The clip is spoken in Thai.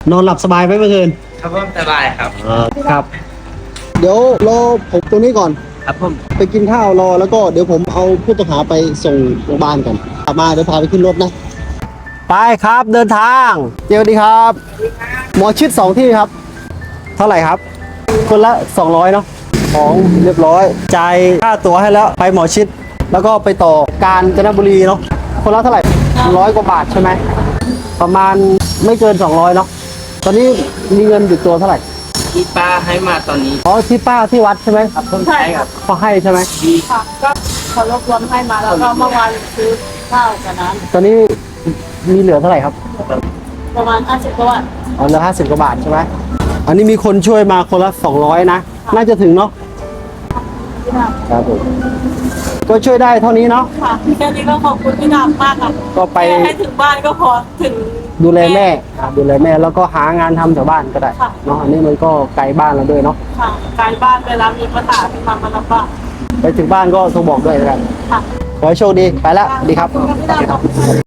นอนหลับสบายไหมเมื่อคืนครับผมสบายครับครับ เดี๋ยวรอผมตรงนี้ก่อนครับผมไปกินข้าวรอแล้วก็เดี๋ยวผมเอาผู้ต้องหาไปส่งโรงพยาบาลก่อนกลับมาเดี๋ยวพาไปขึ้นรถนะ ไปครับเดินทางเจอดีครับ หมอชิด2ที่ครับ เท่าไหร่ครับ คนละ200เนาะของเรียบร้อยจ่ายค่าตั๋วให้แล้วไปหมอชิดแล้วก็ไปต่อกาญจนบุรีเนาะคนละเท่าไหร่100 กว่าบาทใช่ไหมประมาณไม่เกิน200เนาะตอนนี้มีเงินอยู่ตัวเท่าไหร่ที่ป้าให้มาตอนนี้อ๋อที่ป้าที่วัดใช่ไหมครับผมใช่ครับเขาให้ใช่ไหมค่ะก็ขอรบกวนให้มาแล้วก็เมื่อวานซื้อข้าวกับน้ตอนนี้มีเหลือเท่าไหร่ครับำประมาณ50กว่าบาทอ๋อเหลือ50 กว่าบาทใช่ไหมอันนี้มีคนช่วยมาคนละ200นะน่าจะถึงเนาะพี่ดำครับผมก็ช่วยได้เท่านี้เนาะค่ะแค่นี้ก็ขอบคุณพี่ดำมากค่ะก็ไปแค่ให้ถึงบ้านก็พอถึงดูแลแม่ดูแลแม่แล้วก็หางานทำแถวบ้านก็ได้ค่ะเนาะอันนี้มันก็ไกลบ้านเราด้วยเนาะค่ะการบ้านเวลามีปัญหาพี่มาลำบากไปถึงบ้านก็โทรบอกด้วยแล้วกันค่ะขอให้โชคดีไปแล้วสวัสดีครับขอบคุณพี่ดำขอบคุณ